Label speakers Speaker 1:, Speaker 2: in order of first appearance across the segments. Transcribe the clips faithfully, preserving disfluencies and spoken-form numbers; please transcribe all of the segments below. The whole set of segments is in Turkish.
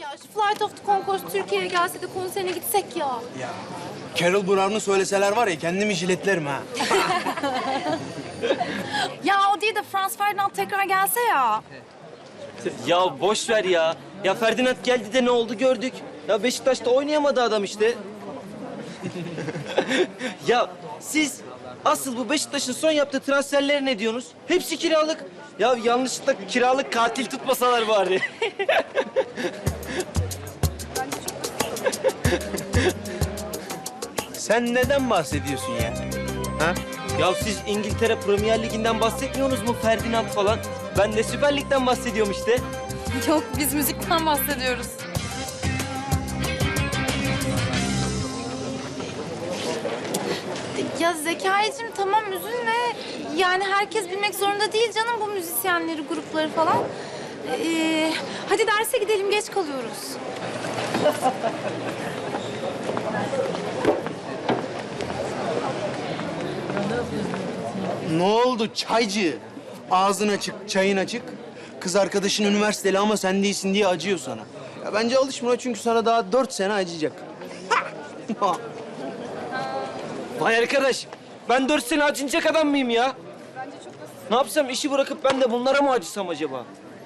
Speaker 1: ya şu Flight of the Conchords Türkiye'ye gelse de konserine gitsek ya.
Speaker 2: Ya Carol Brown'u söyleseler var ya kendimi jiletlerim ha.
Speaker 1: Ya o değil de Franz Ferdinand tekrar gelse ya.
Speaker 3: Ya boş ver ya. Ya Ferdinand geldi de ne oldu gördük. Ya Beşiktaş'ta oynayamadı adam işte. Ya siz asıl bu Beşiktaş'ın son yaptığı transferlere ne diyorsunuz? Hepsi kiralık. Ya yanlışlıkla kiralık katil tutmasalar bari.
Speaker 2: Sen neden bahsediyorsun ya? Ha?
Speaker 3: Ya siz İngiltere Premier Ligi'nden bahsetmiyorsunuz mu Ferdinand falan? Ben de Süper Lig'den bahsediyorum işte.
Speaker 1: Yok biz müzikten bahsediyoruz. Ya Zekai'cim tamam üzülme. Yani herkes bilmek zorunda değil canım bu müzisyenleri, grupları falan. Ee, hadi derse gidelim geç kalıyoruz.
Speaker 2: Ne oldu çaycı? Ağzın açık, çayın açık. Kız arkadaşın üniversiteli ama sen değilsin diye acıyor sana. Ya bence alışma ona çünkü sana daha dört sene acıyacak.
Speaker 3: Vay arkadaş, ben dört sene acınacak adam mıyım ya? Ne yapsam işi bırakıp ben de bunlara mı acısam acaba?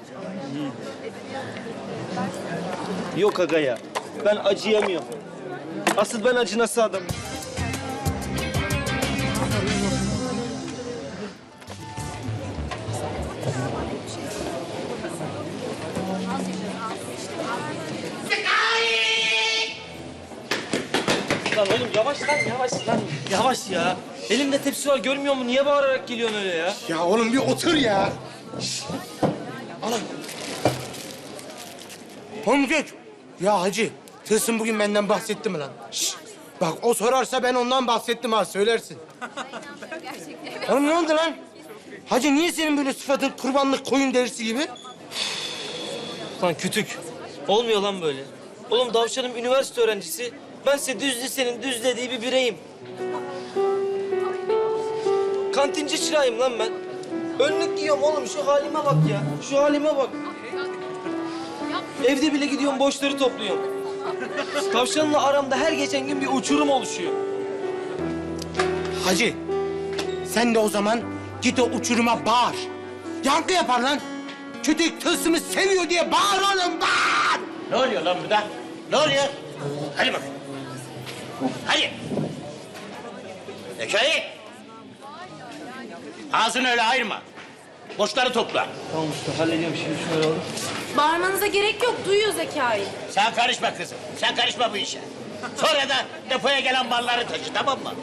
Speaker 3: Yok aga ya, ben acıyamıyorum. Asıl ben acınası adamım. Lan oğlum yavaş lan, yavaş lan. Yavaş ya. Elimde tepsi var, görmüyor musun? Niye bağırarak geliyorsun öyle ya?
Speaker 4: Ya oğlum bir otur ya. Oğlum. Oğlum geç. Ya hacı, Tılsım bugün benden bahsetti mi lan? Şşş. Bak o sorarsa ben ondan bahsettim ha, söylersin. Oğlum ne oldu lan? Hacı niye senin böyle sıfatın kurbanlık koyun derisi gibi?
Speaker 3: Lan kütük. Olmuyor lan böyle. Oğlum Davşan'ım üniversite öğrencisi. Bense düz lisenin düz dediği bir bireyim. Kantinci çırağıyım lan ben. Önlük giyiyorum oğlum. Şu halime bak ya. Şu halime bak. Evde bile gidiyorum boşları topluyorum. Tavşanla aramda her geçen gün bir uçurum oluşuyor.
Speaker 4: Hacı, sen de o zaman git o uçuruma bağır. Yankı yapar lan. Kütük Tılsım'ı seviyor diye bağır oğlum, bağır!
Speaker 5: Ne oluyor lan burada? Ne oluyor? Hadi bak. Hadi. Zekai. Ağzını öyle ayırma. Boşları topla.
Speaker 3: Tamam usta hallediyorum şimdi şöyle alalım.
Speaker 1: Bağırmanıza gerek yok duyuyor Zekai.
Speaker 5: Sen karışma kızım. Sen karışma bu işe. Sonra da depoya gelen malları taşı, tamam mı?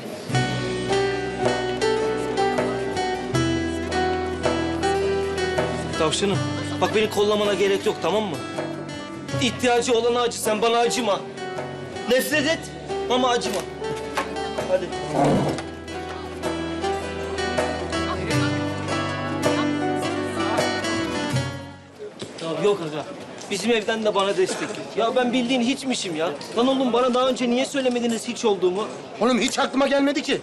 Speaker 3: Tavşanım bak beni kollamana gerek yok tamam mı? İhtiyacı olana acı sen bana acıma. Nefret et ama acıma. Hadi. Ya yok aga. Bizim evden de bana destek yok. Ya ben bildiğin hiçmişim ya. Lan oğlum bana daha önce niye söylemediniz hiç olduğumu?
Speaker 4: Oğlum hiç aklıma gelmedi ki.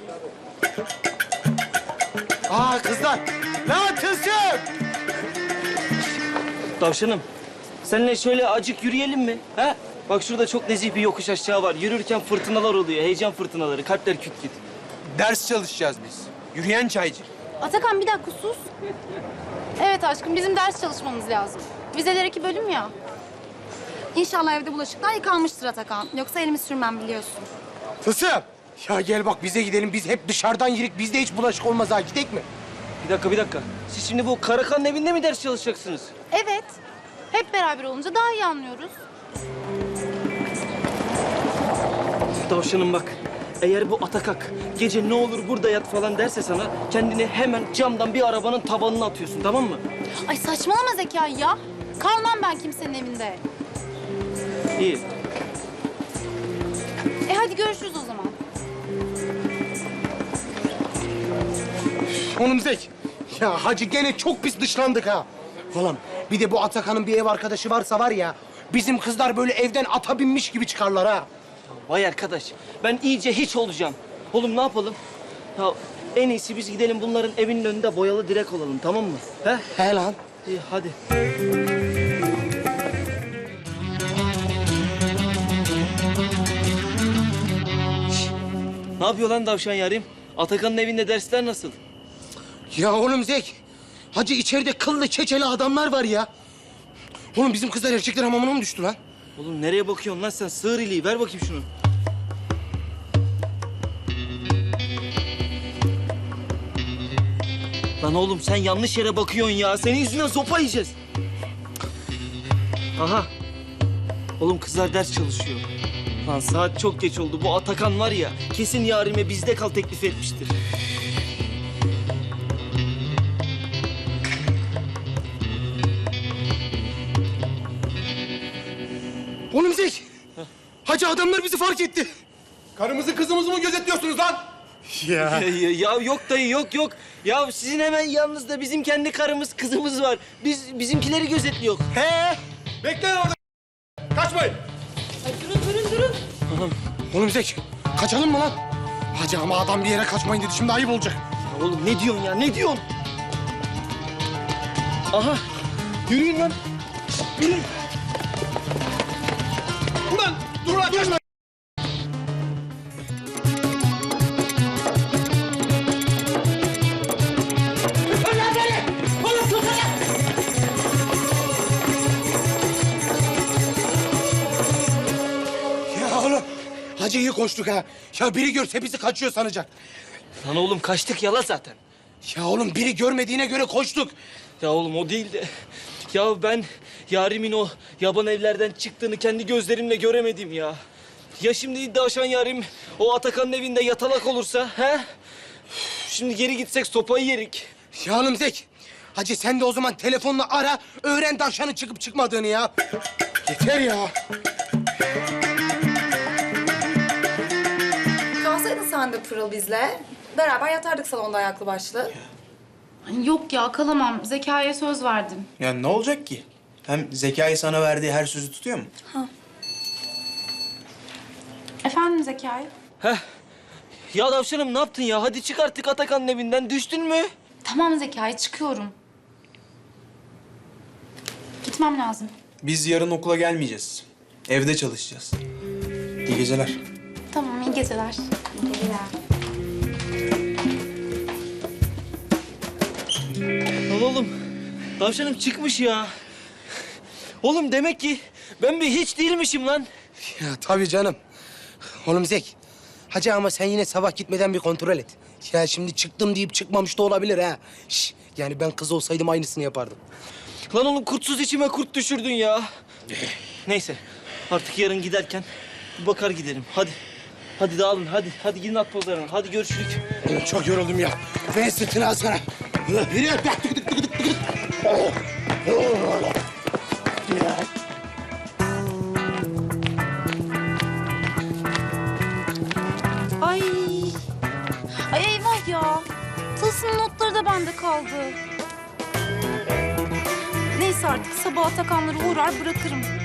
Speaker 4: Aa kızlar. Lan Tılsım!
Speaker 3: Tavşanım, seninle şöyle acık yürüyelim mi? Ha? Bak şurada çok nezih bir yokuş aşağı var. Yürürken fırtınalar oluyor, heyecan fırtınaları. Kalpler küt küt.
Speaker 2: Ders çalışacağız biz. Yürüyen çaycı.
Speaker 1: Atakan bir dakika sus. Evet aşkım bizim ders çalışmamız lazım. Vizeler iki bölüm ya. İnşallah evde bulaşıklar yıkanmıştır Atakan. Yoksa elimi sürmem biliyorsun.
Speaker 4: Tılsım! Ya gel bak bize gidelim. Biz hep dışarıdan yirik. Bizde hiç bulaşık olmaz ha. Gidek mi?
Speaker 3: Bir dakika, bir dakika. Siz şimdi bu Karakan'ın evinde mi ders çalışacaksınız?
Speaker 1: Evet. Hep beraber olunca daha iyi anlıyoruz.
Speaker 3: Tavşanım bak, eğer bu Atakak gece ne olur burada yat falan derse sana... ...kendini hemen camdan bir arabanın tabanına atıyorsun, tamam mı?
Speaker 1: Ay saçmalama Zekai ya. Kalmam ben kimsenin evinde.
Speaker 3: İyi.
Speaker 1: E hadi görüşürüz o zaman.
Speaker 4: Oğlum Zek. Ya hacı gene çok pis dışlandık ha. Oğlum bir de bu Atakan'ın bir ev arkadaşı varsa var ya... ...bizim kızlar böyle evden ata binmiş gibi çıkarlar ha.
Speaker 3: Vay arkadaş, ben iyice hiç olacağım. Oğlum ne yapalım? Ya en iyisi biz gidelim bunların evinin önünde boyalı direk olalım, tamam mı? He?
Speaker 4: He lan.
Speaker 3: İyi, hadi. Ne yapıyor lan tavşan yarim? Atakan'ın evinde dersler nasıl?
Speaker 4: Ya oğlum Zek, hacı içeride kıllı çeçeli adamlar var ya. Oğlum bizim kızlar erkekler hamamına mı düştü lan?
Speaker 3: Oğlum nereye bakıyorsun lan sen? Sığır iliği. Ver bakayım şunu. Lan oğlum sen yanlış yere bakıyorsun ya. Senin yüzünden sopa yiyeceğiz. Aha. Oğlum kızlar ders çalışıyor. Lan saat çok geç oldu. Bu Atakan var ya, kesin yarime bizde kal teklif etmiştir.
Speaker 4: Oğlum Zek, hacı adamlar bizi fark etti.
Speaker 6: Karımızı kızımızı mı gözetliyorsunuz lan?
Speaker 4: Ya.
Speaker 3: Ya, ya, ya yok dayı yok yok. Ya sizin hemen yanınızda bizim kendi karımız kızımız var. Biz bizimkileri gözetliyor.
Speaker 6: He? Bekleyin orada. Kaçmayın.
Speaker 4: Oğlum Zek, kaçalım mı lan? Hacı ama adam bir yere kaçmayın dedi, şimdi ayıp olacak.
Speaker 3: Ya oğlum ne diyorsun ya ne diyorsun? Aha yürüyün lan. Yürüyün.
Speaker 6: Ulan dur lan kaçma.
Speaker 4: Ya oğlum, hacı iyi koştuk ha. Ya biri görse bizi kaçıyor sanacak.
Speaker 3: Lan oğlum kaçtık yala zaten.
Speaker 4: Ya oğlum biri görmediğine göre koştuk.
Speaker 3: Ya oğlum o değil de... Ya ben yarimin o yaban evlerden çıktığını kendi gözlerimle göremedim ya. Ya şimdi iddiaşan yarim o Atakan'ın evinde yatalak olursa he? Üf, Şimdi geri gitsek sopayı yerik.
Speaker 4: Ya oğlum Zek, hacı sen de o zaman telefonla ara, öğren tavşanın çıkıp çıkmadığını ya. Yeter ya.
Speaker 1: Kalsaydın sen de Pırıl bizle. Beraber yatardık salonda ayaklı başlı. Yok ya kalamam. Zekaya söz verdim.
Speaker 2: Ya ne olacak ki? Hem Zekai sana verdiği her sözü tutuyor mu?
Speaker 1: Efendim Zekai?
Speaker 3: Heh. Ya tavşanım ne yaptın ya? Hadi çık artık Atakan'ın evinden. Düştün mü?
Speaker 1: Tamam Zekai çıkıyorum. Gitmem lazım.
Speaker 2: Biz yarın okula gelmeyeceğiz. Evde çalışacağız. İyi geceler.
Speaker 1: Tamam iyi geceler. İyi geceler.
Speaker 3: Lan oğlum, tavşanım çıkmış ya. Oğlum demek ki ben bir hiç değilmişim lan.
Speaker 4: Ya tabii canım. Oğlum Zek, hacı ama sen yine sabah gitmeden bir kontrol et. Ya şimdi çıktım deyip çıkmamış da olabilir ha. Şş, yani ben kız olsaydım aynısını yapardım.
Speaker 3: Lan oğlum kurtsuz içime kurt düşürdün ya. Neyse, artık yarın giderken bir bakar giderim. Hadi, hadi dağılın, hadi. Hadi gidin at pozlarına, hadi görüşürük.
Speaker 4: Oğlum çok yoruldum ya. Ver sırtını al sana. Yürü. Tık tık tık tık tık tık.
Speaker 1: Ay. Ay eyvah ya. Tılsım'ın notları da bende kaldı. Neyse artık sabah Atakanları uğrar bırakırım.